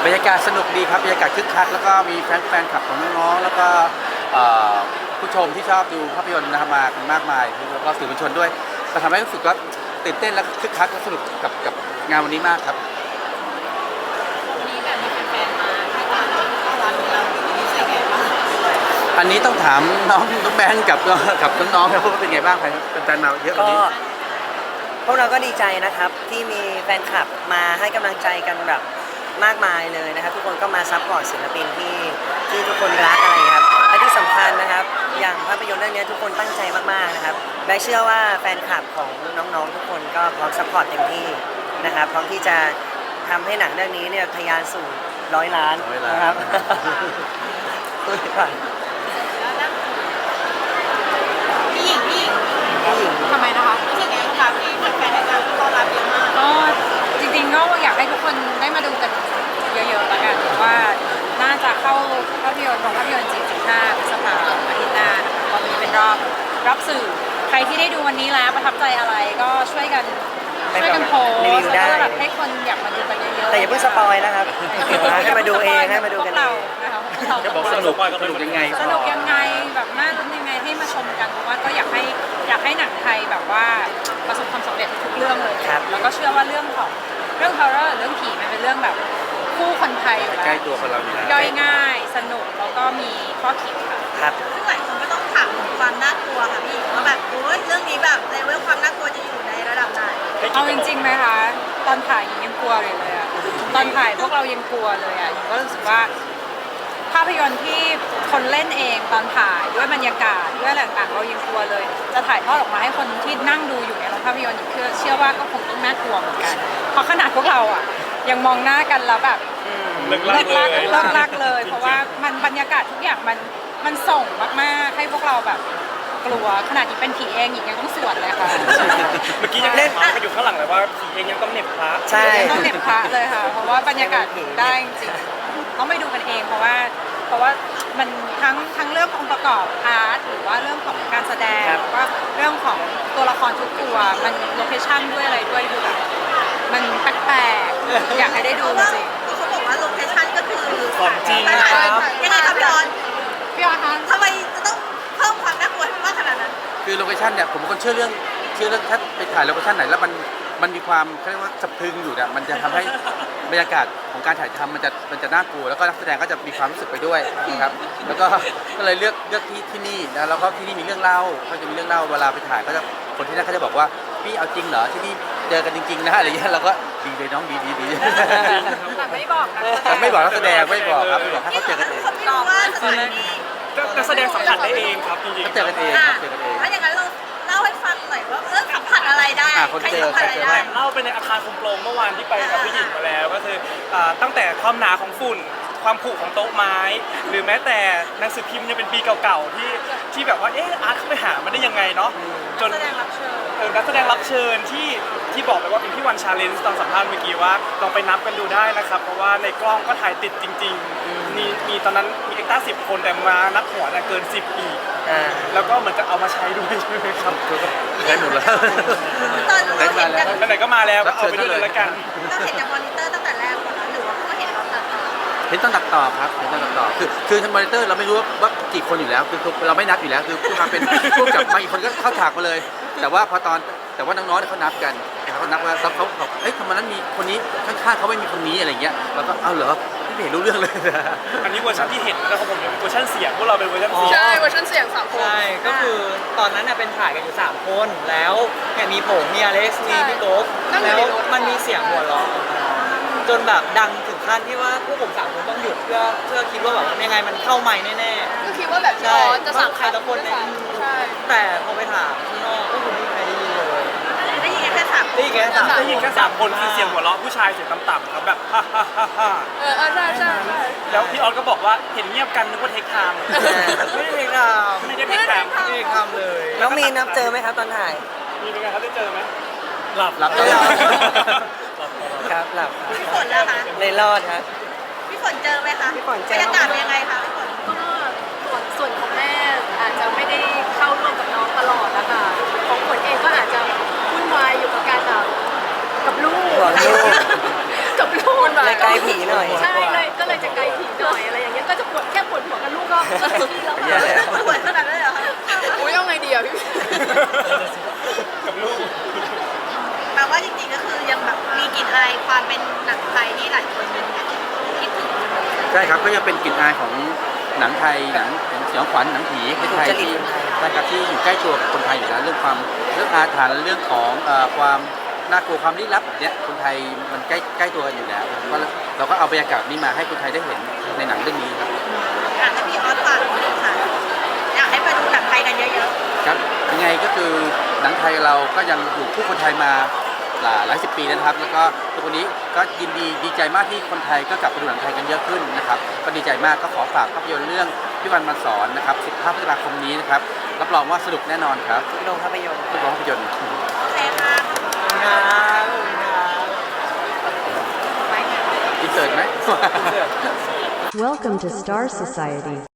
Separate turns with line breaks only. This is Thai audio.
บรรยากาศสนุกดีครับบรรยากาศคึกคักแล้วก็มีแฟนคลับของน้องๆแล้วก็ผู้ชมที่ชอบดูภาพยนตร์นะครับมากันมากมายแล้วก็สื่อมวลชนด้วยก็ทำให้รู้สึกว่าตื่นเต้นและคึกคักและสนุกกับงานวันนี้มากครับ
วันนี้แบบมีแฟนๆมาให้การต้อนรับเรารู้สึกไงบ้าง
อันนี้ต้องถามน้องแบงค์กับน้องๆครับว่าเป็นไงบ้างเป็นแฟนมาเยอะวันนี้
พวกเราก็ดีใจนะครับที่มีแฟนคลับมาให้กำลังใจกันแบบมากมายเลยนะครับทุกคนก็มาซัพพอร์ตศิลปินที่ทุกคนรักอะไรครับและที่สำคัญนะครับอย่างภาพยนตร์เรื่องนี้ทุกคนตั้งใจมากๆนะครับแบงค์เชื่อว่าแฟนคลับของน้องๆทุกคนก็พร้อมซัพพอร์ตเต็มที่นะครับพร้อมที่จะทำให้หนังเรื่องนี้เนี่ยทะยานสู่100 ล้านนะครับตัวก่อน
พี่หญิงทำไมนะคะรู้สึกไงบ้างคะที่แฟนๆให้การต้อนรับเยอะมาก
ก็จริงๆก็อยากให้ทุกคนได้มาดูกันเยอะๆแล้วกันว่าน่าจะเข้าภาพยนตร์ของภาพยนตร์จริง15 พฤษภาคมอาทิตย์หน้านะคะตอนนี้เป็นรอบสื่อใครที่ได้ดูวันนี้แล้วประทับใจอะไรก็ช่วยกันโพสต์แล้วก็แบบให้คนอยากมาดูกันเยอะๆ
แต่อย่าเพิ่งสปอยนะครับให้มาดูเองให้มาดูกันเอง
จะบอกสนุกยังไง
สนุกยังไงแบบน่ารุ้นยังไงให้มาชมกันเพราะว่าก็อยากให้หนังไทยแบบว่าประสบความสำเร็จทุกเรื่องเลยแล้วก็เชื่อว่าเรื่องฮอร์เรอร์เรื่องผีมันเป็นเรื่องแบบคู่คนไทยอยู่แล้ว
ใกล้ตัวคนเราอยู่แล้ว
ย่อยง่ายสนุกแล้วก็มีข้อคิดค่ะ
ครับ
ซึ่งหลายคนก็ต้องถามถึงความน่ากลัวค่ะพี่ว่าแบบโอ้ยเรื่องนี้แบบเลเวลความน่ากลัวจะอยู่ในระดับไหน
เอาจริงๆไหมคะตอนถ่ายยังกลัวเลยอะตอนถ่ายพวกเรายังกลัวเลยอะก็รู้สึกว่าภาพยนตร์ที่คนเล่นเองตอนถ่ายด้วยบรรยากาศด้วยอะไรต่างๆเรายังกลัวเลยจะถ่ายทอดออกมาให้คนที่นั่งดูอยู่ในโรงภาพยนตร์อยู่เชื่อว่าก็คงต้องน่ากลัวเหมือนกันเพราะขนาดพวกเราอะยังมองหน้ากันแล้วแบบเลิกลักเลยเพราะว่ามันบรรยากาศทุกอย่างมันส่งมากๆให้พวกเราแบบกลัวขนาดที่เป็นผีเองอีกยังต้องสวดเลยค่ะ
เมื่อกี้ยังเล่นมาอยู่ข้างหลังเลยว่าผีเองยังต้องเหน็บพระ
ใช่
ต้องเหน็บพระเลยค่ะเพราะว่าบรรยากาศได้จริงต้องไปดูกันเองเพราะว่ามันทั้งเรื่ององค์ประกอบอาร์ตหรือว่าเรื่องของการแสดงหรือว่าเรื่องของตัวละครทุกตัวมันโลเคชั่นด้วยอะไรด้วยดูแบบมันแปลกๆอยากให้ได้ดูจริง
เขาบอกว่าโลเคชั่นก็คือ
ของจริง
ครับยังไงครับพี่ออน
คะ
ทำไมจะต้องเพิ่มความน่ากลัวให้มากขนาดนั้น
คือโลเคชั่นเนี่ยผมเป็นคนเชื่อเรื่องถ้าไปถ่ายโลเคชั่นไหนแล้วมันมีความเขาเรียกว่าสะพรึงอยู่เนี่ยมันจะทำให้บรรยากาศของการถ่ายทำมันจะน่ากลัวแล้วก็นักแสดงก็จะมีความรู้สึกไปด้วยนะครับแล้วก็เลยเลือกที่นี่นะแล้วก็ที่นี่มีเรื่องเล่าก็จะมีเรื่องเล่าเวลาไปถ่ายก็จะคนที่นั่นเขาจะบอกว่าพี่เอาจริงเหรอที่นี่เจอกันจริงๆนะอะไรอย่างเงี้ยเราก็ดีเลยน้องดี
แต่ไม่บอกนะ
แต่ไม่บอกนักแสดงไม่บอกครับไม่บอกให้เขาเจอกันเอง
นักแสดงสัมผัสได้เองครับจริงๆ
เขาเจอกันเองเจอกันเอง
ถ้าอย่างนั้นเราเล่าให้ฟังหน่อยว่าสัมผัสอะไรได้
ใครสัมผัสอะไรได้
เล่าไปในอาคารคุมโปรงเมื่อวานที่ไปกับพี่หญิงมาแล้วก็คือตั้งแต่ความหนาของฝุ่นความผุของโต๊ะไม้หรือแม้แต่หนังสือพิมพ์ยังเป็นปีเก่าๆที่แบบว่าอาร์ตเข้าไปหามันได้ยังไงเนาะจนนักแสดงรับเชิญที่บอกไปว่าเป็นพี่วันชาเลนจ์ตอนสัมภาษณ์เมื่อกี้ว่าลองไปนับกันดูได้นะครับเพราะว่าในกล้องก็ถ่ายติดจริงๆมีตอนนั้นมีเอ็กซ์ต้า10 คนแต่มานับหัวเกิน10อีกแล้วก็เหมือนจะเอามาใช้ด้วยใช่ไหมครับ
ได้หมดแล้ว
ตอนเราเห็นจาก
ไหนก็มาแล้วก็เอาไปด้วยเลยละกัน
เราเห็นจากมอนิเตอร์ตั้งแต่แรกก่อนนะหรือว่าเพิ่งเห็นเราตัดต่อ
เห็นตอนตัดต่อครับเห็นตอนตัดต่อคือทางมอนิเตอร์เราไม่รู้ว่ากี่คนอยู่แล้วคือเราไม่นับอยู่แล้วคือผู้มาเป็นผู้กับมาอีกคนก็เข้าฉากมาเลยแต่ว่าน้องๆเขานับกันเขานับว่าเขาทำไมนั้นมีคนนี้ข้างๆเขาไม่มีคนนี้อะไรเงี้ยเราก็เอาเหรอไม่เห็นรู้เรื่องเลย
อันนี้เวอร์ชันที่เห็นแล้วของผมเป็นเวอร์ชันเสียงพวกเราเป็นเวอร์ชันเสียง
ใช่เวอร์ชันเสียง3 คน
ใช่ก็คือตอนนั้นเป็นถ่ายกันอยู่3 คนแล้วมีผมมีอเล็กซ์มีพี่โก๊กแล้วมันมีเสียงหัวเราะจนแบบดังถึงขั้นที่ว่าพวกผม3 คนต้องหยุดเพื่อคิดว่าแบบยังไงมันเข้าไมค์แน่
ๆคือคิดว่าแบบจะสั่ง
ใครตะคนใน
ใช่
แต่พอไปถามข้างนอกก็คือไม่มีใครได้ยินเลย
ได้ยินแค่3
ได้ยินแค่
3 คนคือเสียงหัวเราะผู้ชายเสียงต่ำๆครับแบบฮ่าฮ่าฮ่าฮ่า
ใช่
แล้วพี่ออสก็บอกว่าเห็นเงียบกันนึกว่าเทคไทม์
ไม่ได้เทคไทม์
ไม่ได้เทคไทม์
เลยน้องมีนับเจอไหมครับตอนถ่าย
มีเป็นไงครับได้เจอไหมหลับ
ครับหลับ
พี่ฝนล่ะคะ
เลยรอดครับ
พี่ฝนเจอไหมคะ
พี่ฝนเจอบ
รรยากาศยังไงคะพี่ฝน
ก็ส่วนของแม่อาจจะไม่ได้เข้าร่วมกับน้องตลอดนะคะของฝนเองก็อาจจะวุ่นวายอยู่กับการกับลูก
กับลูก
เลยไกลผีหน่อย
ใช่เลยก็เลยจะไกลผีหน่อยอะไรอย่างเงี้ยก็จะปวดแค่ปวดหัวกับลูกก็แล้วปวดขนาดนั้นเลยเหรอคะอุ้ยเอาไงดีอ่ะพี่
กับลูก
แปลว่าจริงๆก็คือยังแบบมีกลิ่นอายความเป็นหนังไทยที่หลายคนยังคิดถึง
ใช่ครับก็ยังเป็นกลิ่นอายของหนังไทยหนังสยองขวัญหนังผีไทยที่ใช่ครับที่อยู่ใกล้ตัวกับคนไทยอยู่แล้วเรื่องอาถรรพ์เรื่องของความน่ากลัวความลี้ลับแบบเนี้ยคนไทยมันใกล้ตัวกันอยู่แล้วก็เราก็เอาบรรยากาศนี้มาให้คนไทยได้เห็นในหนังเรื่องนี้ครับ
อยากให้พี่ออสฝากหน่อยค่ะอยากให้ไปดูหนังไทยกันเยอะ
ครับยังไงก็คือหนังไทยเราก็ยังอยู่คู่คนไทยมาหลายสิบปีแล้วนะครับ แล้วก็ทุกวันนี้ก็ยินดีใจมากที่คนไทยก็กลับมาดูหนังไทยกันเยอะขึ้นนะครับก็ดีใจมากก็ขอฝากภาพยนตร์เรื่องพี่วันมาสอนนะครับ15 พฤษภาคมนี้นะครับรับรองว่าสนุกแน่นอนครับ
ทุกโรงภาพยนตร์
ทุกโรงภาพยนตร์
ๆโอเคค่ะ
อินเสิร์ตไหม
Welcome to Star Society.